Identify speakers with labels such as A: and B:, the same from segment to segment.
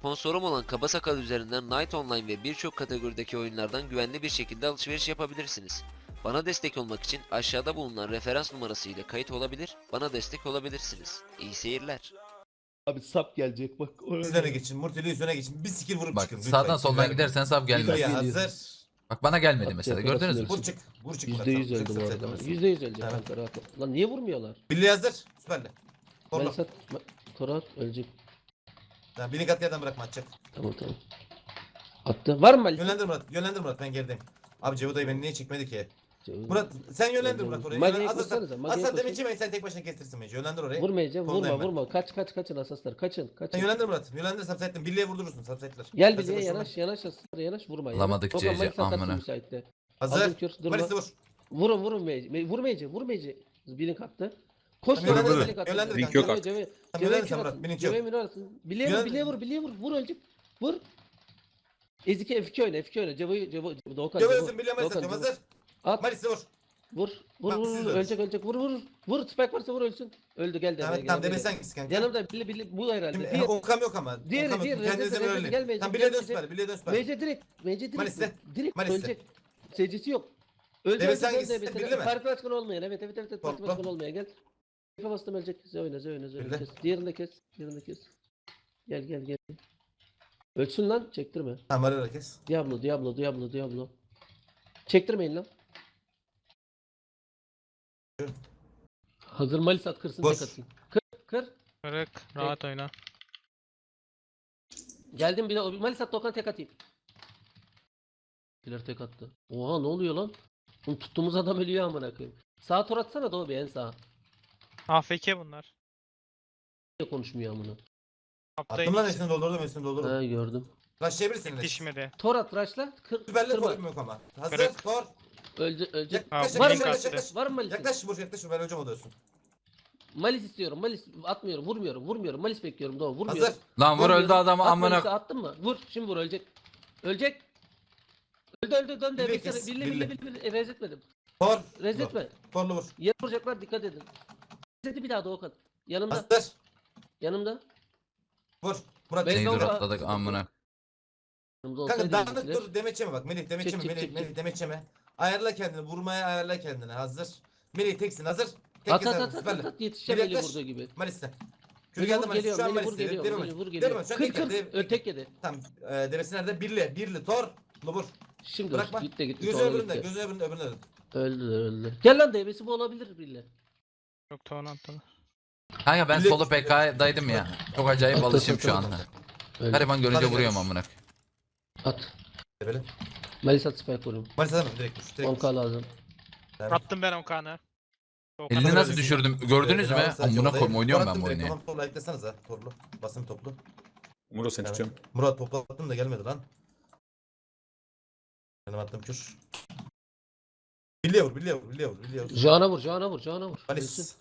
A: Sponsorum olan Kaba Sakal üzerinden Night Online ve birçok kategorideki oyunlardan güvenli bir şekilde alışveriş yapabilirsiniz. Bana destek olmak için aşağıda bulunan referans numarası ile kayıt olabilir, bana destek olabilirsiniz. İyi seyirler.
B: Abi sap gelecek bak.
C: Üzerine geçin. Murtili üzerine geçin. Bir skill vurup
D: Bak
C: çıkın. Lütfen.
D: sağdan soldan
C: Vermeyin.
D: gidersen sap gelmez.
C: Ya
B: Geliyor.
C: hazır.
D: Bak bana gelmedi
B: At
D: mesela,
B: yakalarsın
D: gördünüz mü?
B: hepsini.
C: Vur çık. Vur çık.
B: %100 öldü bu arada. %100 öldü
C: Evet.
B: kanka rahat ol. Lan niye vurmuyorlar?
C: Billy hazır. Süperli. Torla.
B: Melisat Torat ölecek.
C: Tamam, Billy kat yerden bırakma atacak.
B: Tamam. Attı. Var mı Melisat?
C: Yönlendir Murat. Yönlendir Murat. Ben gerideyim. Abi Cevo dayı beni niye çekmedi ki? Murat sen yönlendir Murat oraya.
B: Magi'ye
C: Hazırsan.
B: koşsanıza, Magi'ye
C: Aslan
B: koşun.
C: demek ki sen tek başına kestirsin beni. Yönlendir oraya.
B: Vurmayacağım.
C: Koldayım ben.
B: Vurma. Kaçın asaslar. Kaçın.
C: Sen yönlendir Murat. Yönlendir subsite'den. Billy'ye vurdurursun subsite'ler.
B: Gel
C: Hazır,
B: Billy'e
C: koşun.
B: yanaş asaslar vurma.
D: Alamadık
B: Dokan,
D: CC,
B: Melisat atarsın
D: amına.
B: müsaitte.
C: Hazır.
B: Aldım kür, durma.
C: Malis'i vur.
B: Vurun vurmayıcı. Bilin kattı. Koş
C: Tamam,
B: lan
C: yönlendir,
B: Bilin kattı.
C: yönlendir
E: Link yok artık.
B: Ceve
C: Tamam, yönlendir
B: kür
C: sen Murat,
B: atın.
C: Bilin yok.
B: Ceve minor atın. Bilye
C: Yönlendir.
B: vur. Vur ölecek. Vur. Ezike F2 oyna. Cevo Doğukan.
C: Cevo ölsün. Billy'ye Malis
B: Doğukan,
C: atıyorum.
B: Cevo.
C: Hazır.
B: At.
C: Malis'i vur.
B: Vur.
C: Bak, siz de
B: Ölecek. Vur. Spike varsa vur ölsün. Öldü gel de.
C: Tamam tamam demesen gitsin kanka.
B: Yanımda Billy bu herhalde.
C: Şimdi Okam yok ama.
B: Diğeri,
C: Okam yok.
B: diğeri,
C: Kendinize
B: Rezet,
C: böyle.
B: gelmeyecek,
C: Tamam Billy'ye dön
B: gelmeyecek.
C: süper. Billy'ye dön süper.
B: Mece direkt.
C: Malis'te.
B: Direkt
C: Malis'te.
B: ölecek. Secdesi yok. Öldü.
C: Deve
B: öldü,
C: hangisi?
B: öldü.
C: Bildi mi?
B: Parti başkanı olmayan. Evet. Parti
C: Topla.
B: başkanı olmayan gel. Kafa bastım ölecek. Oyna.
C: Bildi.
B: Kes. Diğerini de kes. Gel. Ölsün lan. Çektirme.
C: Tamam arada kes.
B: Diablo. Çektirmeyin lan. Hazır Malisat kırsın
C: Boş.
B: tek atayım. Kır.
E: Kırık. Rahat oyna.
B: Geldim bir de Malisat Dokan tek atayım. Killer tek attı. Oha ne oluyor lan? Bunu tuttuğumuz adam ölüyor amına koyayım. Sağa tor atsana Doğu bir en sağa.
E: AFK bunlar.
B: Niye konuşmuyor amına?
C: Attım lan üstünü doldurdum.
B: Ha gördüm.
C: Rushlayabilirsin.
E: Dişmedi.
B: Tor at raşla.
C: Süperli
B: Kırma.
C: forum yok ama. Hazır.
E: Kırık.
C: Tor.
B: Ölecek.
C: Yaklaş
E: Var mı
C: yaklaş.
B: Var mı Malis?
C: Yaklaş Burç yaklaş. Ben hocam oluyorsun.
B: Malis istiyorum. Malis atmıyorum. Vurmuyorum. Malis bekliyorum Doğu. Vurmuyorum.
C: Hazır.
D: Lan vur öldü adamı
B: At Malis'i,
D: amına.
B: attın mı? Vur. Şimdi vur ölecek. Öldü dön de.
C: Billi
B: Bir
C: kes,
B: kere
C: billi.
B: billi. Rez etmedim.
C: Tor.
B: Rez etme.
C: Torlu vur.
B: Yer vuracaklar dikkat edin. Rez etti bir daha Doğukan. Yanımda.
C: Hazır.
B: Yanımda.
C: Vur. Murat
B: Ben
D: Neyi
B: Doğukan-
D: dur atladık amına.
B: Yanımda
C: Kanka
B: olsaydı
C: dağınık
B: bizimkiler-
C: dur demeçeme bak. Melih demeçeme.
B: Çek.
C: Melih demeçeme. Ayarla kendini. Vurmaya ayarla kendini. Hazır. Melih teksin. Hazır. Tek
B: At
C: keser. Süperli.
B: yetişeceğim
C: Melih
B: eli
C: yaklaş.
B: vurduğu gibi.
C: Malis'te. Kür
B: Melih
C: geldi
B: vur
C: Malis.
B: geliyor,
C: Şu an
B: Melih vur
C: Malis'te.
B: geliyor,
C: Deme
B: Melih
C: Malis.
B: vur
C: Deme
B: geliyor.
C: Malis. Şu an
B: Kır
C: tek
B: tek yedi.
C: Tamam. Devesi nerede? Birli. Tor. Vur.
B: Şimdi
C: Bırakma.
B: gitti.
C: Gözü
B: sonra
C: öbüründe.
B: gitti.
C: Gözü öbüründe.
B: Öldü. Gel lan devesi bu olabilir bile.
E: Çok tavan attılar.
D: Kanka ben
C: Billi-
D: solo PK'daydım ya. Çok acayip alışım şu anda.
B: Öldü.
D: Gariban görünce
C: Hadi
D: vuruyorum
C: görüş.
D: amına.
B: At.
C: Böyle.
B: Malis at spike vuruyorum.
C: Malis adamım direkt vur. Direkt
B: 10k lazım.
E: Attım ben Okan'ı.
D: Elini nasıl düşürdüm gördünüz mü? Amına koyayım oynuyorum ben bu oyunu.
C: Tamam topla eklesanıza. Torlu. Basın toplu.
E: Muro sen
C: Evet.
E: tutuyorum.
C: Murat toplattım da gelmedi lan. Benim attım kür. Billiye vur.
B: Jana vur. Ölsün.
C: Malis.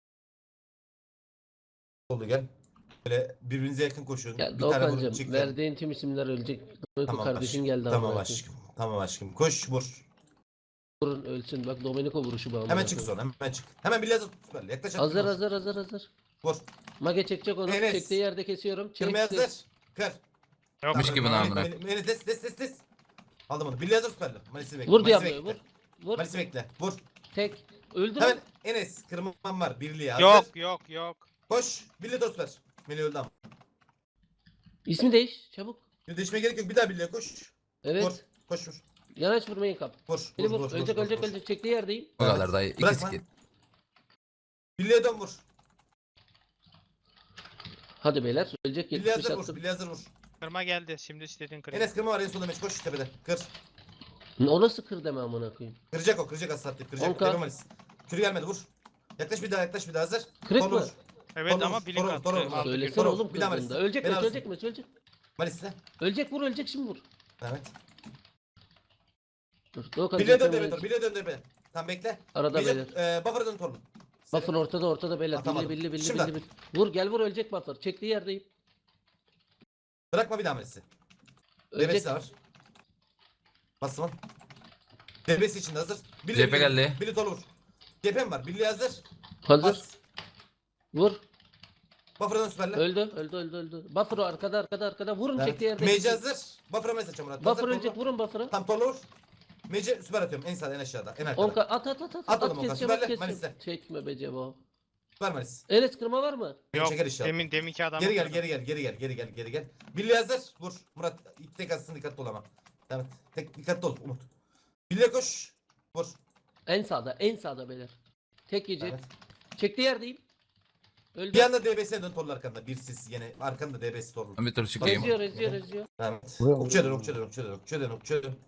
C: Oldu gel. Böyle birbirinize yakın koşun.
B: Ya
C: Bir tane vurup
B: Doğukan'cım
C: çık.
B: verdiğin tüm isimler ölecek.
C: Tamam
B: Kardeşin
C: aşkım.
B: geldi
C: Tamam
B: amına
C: aşkım. Tamam aşkım. Koş vur.
B: Vurun ölsün. Bak Domenico vuruşu bu amına
C: Hemen çık
B: koyayım.
C: sonra hemen çık. Hemen bilye hazır. Süper. Yaklaş at.
B: Hazır.
C: Vur.
B: Mage çekecek onu.
C: Enes.
B: Çektiği yerde kesiyorum.
C: Kırmaya
B: Çek.
C: hazır. Kır.
E: Yok.
D: gibi lan amına.
C: Des. Aldım onu. Bilye hazır süperli. Malisi bekle.
B: Vur
C: Malisi
B: Diablo'yu
C: bekle.
B: vur.
C: Malisi bekle. Vur.
B: Tek. Öldür.
C: Hemen Enes. Kırmam var. Birliğe hazır.
E: Yok.
C: Koş. Bilye dostlar. Melih öldü ama.
B: İsmi değiş. Çabuk.
C: Değişmeye gerek yok. Bir daha birliğe koş.
B: Evet.
C: Vur. Koş vur.
B: Yanaş vurmayın kap.
C: Vur.
B: Beni vur. Ölecek. Çektiği yerdeyim.
D: O kadar dayı. İki
C: Bırakma.
D: skill.
C: Birliğe dön vur.
B: Hadi beyler. Ölecek
C: Birliğe
B: 70
C: hazır vur.
B: attım.
C: Birliğe hazır vur.
E: Kırma geldi. Şimdi istediğin kırık.
C: Enes kırma var en sonunda meç. Koş tepede. Kır.
B: O nasıl kır deme amına koyayım.
C: Kıracak o. Kıracak az saattir. Kıracak.
B: Onka.
C: Tepe Malis. Kürü gelmedi vur. Yaklaş bir daha hazır.
B: Kırık
C: Torlu
B: mı?
C: vur.
E: Evet
C: Torlu
E: ama
C: vur,
E: bilik
C: torlu,
E: attı.
C: torlu vur.
E: Aldı
C: Söyle.
E: bir.
B: Söylesene
C: Vur.
B: oğlum
C: Bir daha
B: kırdığında.
C: Malis.
B: Ölecek
C: Beni
B: mi?
C: alırsın.
B: Ölecek.
C: Malis'le.
B: Ölecek şimdi vur.
C: Evet.
B: Dur. Doğukan
C: Birliğe dön
B: çekmeye-
C: tepede. Birliğe dön tepede. Tamam bekle.
B: Arada beyler.
C: Buffer'a dön torlu.
B: Buffer ortada beyler.
C: Atamadım.
B: Billi.
C: Şimdi.
B: Vur gel vur ölecek buffer. Çektiği yerdeyim.
C: Bırakma bir daha Malis'i.
B: Ölecek.
C: Devesi var. Basma. Devesi için hazır.
D: Cephe geldi.
C: Birliğe torlu vur. Cephem var. Birliğe hazır.
B: Hazır.
C: Bas.
B: Vur.
C: Buffer'dan süperle.
B: Öldü. Buffer'ı arkada. Vurun
C: Evet.
B: çektiği yerde.
C: Mage hazır. Buffer'a mesaj açacağım Murat.
B: Buffer
C: Hazır,
B: ölecek,
C: torlu.
B: vurun Buffer'ı.
C: Tam torlu vur. Mage'e süper atıyorum. En sağda en aşağıda. En arkada.
B: 10k at.
C: At oğlum
B: At
C: Okan,
B: keseceğim,
C: süperle,
B: at keseceğim.
C: Malis'e.
B: Çekme be Cebo.
C: Süper Malis.
B: Enes kırma var mı?
E: Yok.
C: Çeker inşallah.
E: Deminki adam.
C: Geri gel. Billy hazır. Vur. Murat ilk tek atsın, dikkatli ol ama. Evet. Dikkatli ol Umut. Billy'e koş. Vur.
B: En sağda beyler. Tek yiyecek.
C: Evet.
B: Çektiği yerdeyim. Öldü.
C: Bir anda DBS'ye dön torlu arkanda. Bir sis yine arkanda DBS torlu.
D: Ben bir tur çıkayım.
B: Reziyor.
C: Evet.
F: Vuruyor,
C: Okçuya dön,
F: vuruyor.
C: okçuya dön.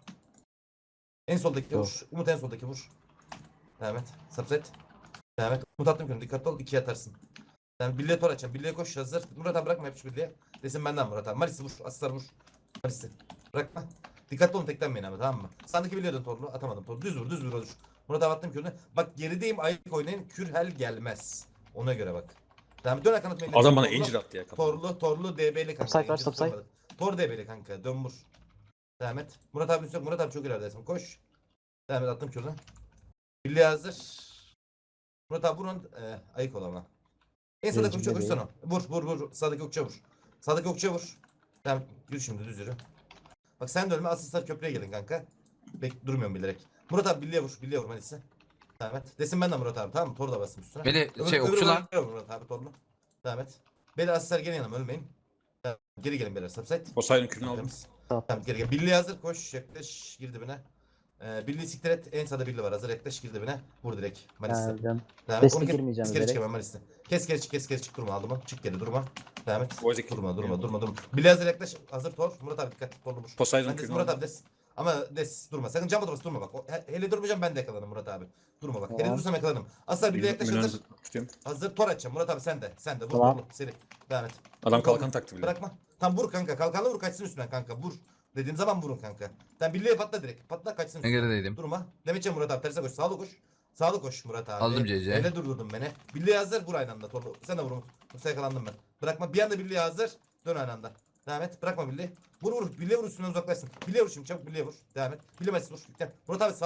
C: En soldaki vur. Umut en soldaki vur. Evet. Subset. Evet. Umut attım könü. Dikkatli ol. 2'ye atarsın. Yani Billy'e tor açacağım. Billy'e koş hazır. Murat abi bırakma yapış Billy'e. Desin benden Murat abi. Malis'i vur. Asistar vur. Malis'i. Bırakma. Dikkatli olun, teklenmeyin abi, tamam mı? Sandaki Billy'e dön torlu. Atamadım torlu. Düz vur. Murat abi attım kürünü. Bak gerideyim, ayık oynayın. Kürhel gelmez. Ona göre bak. Tamam, dön kanat meydan.
G: Adam bana incir attı ya kafama.
C: Torlu DB'li kanka.
F: Subside var,
C: incir
F: subside.
C: tutamadık. Tor DB'li kanka. Dön vur. Devam et. Murat abi yok. Murat abi çok ileridesin. Koş. Devam et, attım kürünü. Billy hazır. Murat abi vurun. Ayık ol ama. En sağdaki okçuya koşsana. Vur. Sağdaki okçuya vur. Tamam, yürü şimdi, düz yürü. Bak sen de ölme, asistan köprüye gelin kanka. Durmuyorum bilerek. Murat abi Billy'e vur Malis'e. Tamam et. Desin ben de Murat abi, tamam mı? Tor da basın üstüne.
D: Beni
C: Öbür
D: okçular.
C: Murat abi torlu. Devam et. Beyler asistler gelin yanıma, ölmeyin. Tamam, geri gelin beyler, subside.
G: O sayının kürünü aldım.
C: Temiz.
F: Tamam.
C: Tamam, geri gel. Billy hazır, koş yaklaş, gir dibine. Billy'yi siktir et. En sağda Billy var, hazır, yaklaş, gir dibine. Vur direkt Malis'e.
F: Geldim.
C: Devam et.
F: Destek
C: Onu kes
F: girmeyeceğim
C: geri
F: direkt.
C: çık hemen Malis'e. Kes geri çık, durma, aldım onu. Çık geri, durma. Devam et.
G: Boğaz iki.
C: Durma. Billy hazır, yaklaş, hazır tor. Murat abi dikkat, torlu vur.
G: Poseidon
C: Ben des,
G: kürünü
C: Murat
G: aldım.
C: abi des. Ama des, durma. Sakın cam oturması, durma bak. Hele durmayacağım, ben de yakalanırım Murat abi. Durma bak. Hele
F: Tamam.
C: dursam yakalanırım. Aslar Billy yaklaş,
G: Milyonu
C: hazır.
G: tutuyorum.
C: Hazır tor açacağım. Murat abi sen de. Vur,
F: Tamam.
C: vur. Seri. Devam et.
G: Adam kalkan taktı bile.
C: Bırakma. Tam vur kanka. Kalkanla vur, kaçsın üstünden kanka. Vur. Dediğim zaman vurun kanka. Tam Billy'ye patla direkt. Patla, kaçsın
D: Ben
C: üstünden.
D: gerideydim.
C: Durma. Demetçe Murat abi. Terse koş. Sağlı koş Murat abi.
D: Aldım CC.
C: Öyle durdurdun beni. Billy'ye hazır. Vur aynı anda. Torlu. Sen de vur Umut. Yoksa yakalandım ben. Bırakma. Bir anda Billy'ye hazır. Dön aynı anda. Devam et. Bırakma Billy'yi. Vur. Billy'ye vur, üstünden uzaklaşsın. Billy'ye vur şimdi. Çabuk Billy'ye vur. Devam et. Billy Mesut vur. Gel. Murat abi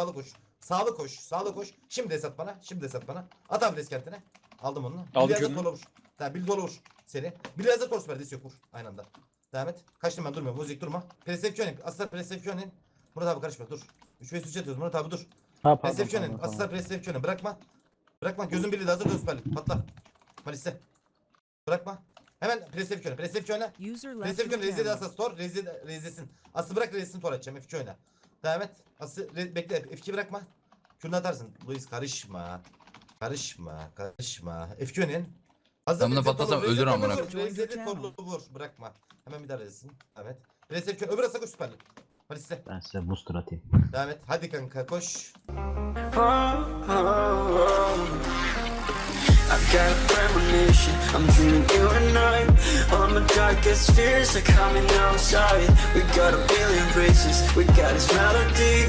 C: sağlı koş. Şimdi esat bana. At abi deskentine. Aldım onu.
G: Aldım
C: Billy'ye hazır,
G: kürünü.
C: torlu vur. Tamam, Billy dolu vur. Seni. Billy'ye hazır, tor süper. Yok, vur. Aynı anda. Devam et. Kaçtım ben, durmuyorum. Muzik durma. Presepsiyonin. Aslar presepsiyonin. Murat abi karışma, dur. 3-5-3 atıyoruz. Murat abi dur.
F: Ha pardon.
C: Presepsiyonin. Aslar presepsiyonin. Bırakma. Gözün birliği de hazır, dön süperlik. Patla. Malis'e. Bırakma. Hemen presepsiyona. Presepsiyon rezil asas tor. Rezilsin. Aslı bırak, rezilsin tor atacağım. F2 oyna. Devam et. Aslı bekle. F2 bırakma. Kürünü atarsın. Luis karışma. F2 oynayın. Hazır.
D: Ben buna
C: rezil
D: patlasam
C: torlu,
D: ölür
C: rezil
D: amına
C: torlu, rezil torlu vur. Bırakma. Hemen bir daha rezilsin. Evet. Presepsiyon. Öbür asa koş süperlik. Malis'e.
F: Ben size booster atayım.
C: Devam et. Hadi kanka koş.
H: I've got a premonition, I'm dreaming you and I. All my darkest fears are coming outside. We got a billion races, we got this melody.